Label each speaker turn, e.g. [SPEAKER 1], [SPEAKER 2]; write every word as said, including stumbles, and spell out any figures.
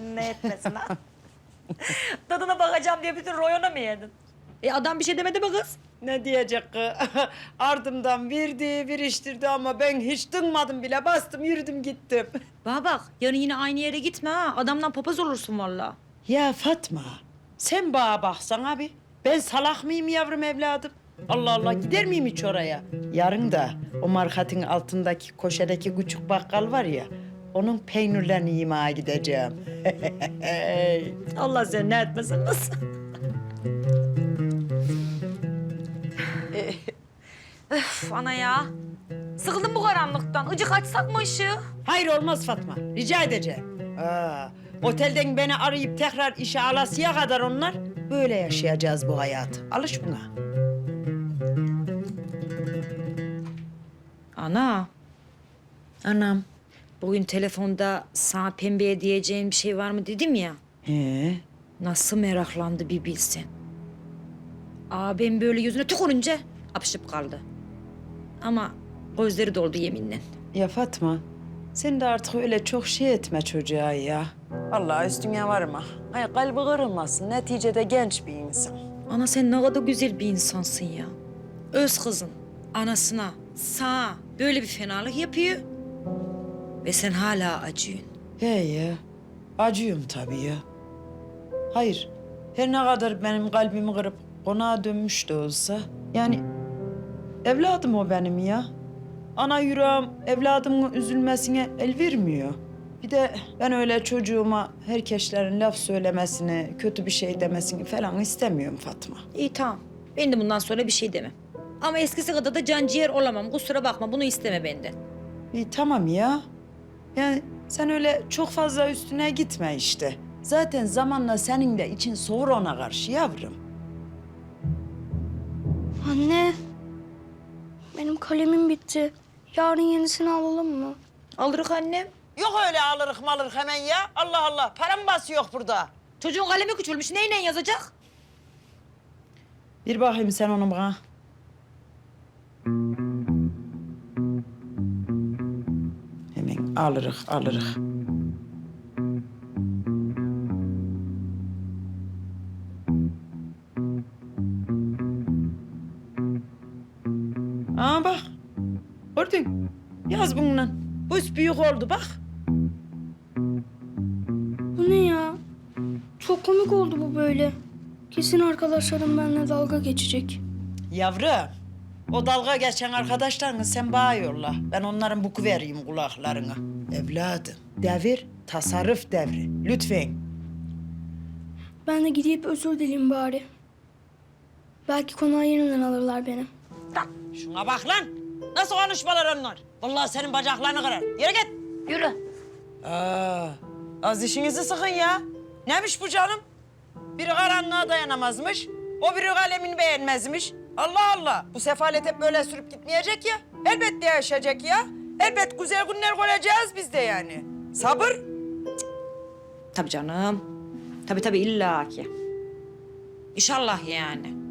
[SPEAKER 1] senin ne etmesin ha? Tadına bakacağım diye bütün royona mı yedin? E adam bir şey demedi mi kız?
[SPEAKER 2] Ne diyecek kız? Ardımdan verdi, viriştirdi ama ben hiç dınmadım bile. Bastım, yürüdüm, gittim.
[SPEAKER 1] Bana bak, yarın yine aynı yere gitme ha. Adamdan papaz olursun vallahi.
[SPEAKER 2] Ya Fatma, sen bana baksan abi. Ben salak mıyım yavrum evladım? Allah Allah, gider miyim hiç oraya? Yarın da o markatın altındaki koşedeki küçük bakkal var ya... ...onun peynirlerini yemeye gideceğim.
[SPEAKER 1] Allah seni ne etmesin kız. Öf ana ya. Sıkıldım bu karanlıktan. Icık açsak mı ışığı?
[SPEAKER 2] Hayır olmaz Fatma, rica edeceğim. Aa, otelden beni arayıp tekrar işe alasıya kadar onlar... ...böyle yaşayacağız bu hayatı. Alış buna.
[SPEAKER 1] Ana,
[SPEAKER 2] Anam.
[SPEAKER 1] bugün telefonda sana pembeye diyeceğin bir şey var mı dedim ya.
[SPEAKER 2] He.
[SPEAKER 1] Nasıl meraklandı bir bilsen. Abim böyle yüzüne tükürünce apışıp kaldı. Ama gözleri doldu yeminle.
[SPEAKER 2] Ya Fatma, sen de artık öyle çok şey etme çocuğa ya. Vallahi üstüne varma. Ay kalbi kırılmasın. Neticede genç bir insan.
[SPEAKER 1] Ana sen ne kadar güzel bir insansın ya. Öz kızın anasına, sana böyle bir fenalık yapıyor. Ve sen hala acıyorsun.
[SPEAKER 2] He ya, acıyorum tabii ya. Hayır, her ne kadar benim kalbimi kırıp konağa dönmüş de olsa... ...yani evladım o benim ya. Ana yüreğim evladımın üzülmesine el vermiyor. Bir de ben öyle çocuğuma herkeslerin laf söylemesini, kötü bir şey demesini falan istemiyorum Fatma.
[SPEAKER 1] İyi tamam. Ben de bundan sonra bir şey demem. Ama eskisi kadar da can ciğer olamam. Kusura bakma bunu isteme benden.
[SPEAKER 2] İyi tamam ya. Yani sen öyle çok fazla üstüne gitme işte. Zaten zamanla senin de için soğur ona karşı yavrum.
[SPEAKER 3] Anne, benim kalemim bitti. Yarın yenisini alalım mı?
[SPEAKER 1] Alırık annem.
[SPEAKER 2] Yok öyle alırık malırık hemen ya. Allah Allah. Param bası yok burada.
[SPEAKER 1] Çocuğun kalemi küçülmüş. Neyle yazacak?
[SPEAKER 2] Bir bakayım sen onu bana. Hemen alırık alırık. Aa bak. Gördün. Yaz bununla. Bu üst büyük oldu bak.
[SPEAKER 3] Bu ne ya? Çok komik oldu bu böyle. Kesin arkadaşlarım benimle dalga geçecek.
[SPEAKER 2] Yavrum, o dalga geçen arkadaşlarını sen bana yolla. Ben onların buku vereyim kulaklarına. Evladım, devir tasarruf devri. Lütfen.
[SPEAKER 3] Ben de gidip özür dileyim bari. Belki konağa yeniden alırlar beni.
[SPEAKER 2] Şuna bak lan. Nasıl konuşmalar onlar? Vallahi senin bacaklarını kırar. Yürü git.
[SPEAKER 1] Yürü.
[SPEAKER 2] Aa, az işinizi sıkın ya. Neymiş bu canım? Biri karanlığa dayanamazmış. O biri kalemini beğenmezmiş. Allah Allah. Bu sefalet hep böyle sürüp gitmeyecek ya. Elbette yaşayacak ya. Elbet güzel günler göreceğiz biz de yani. Sabır.
[SPEAKER 1] Tabii canım. Tabii tabii illa ki. İnşallah yani.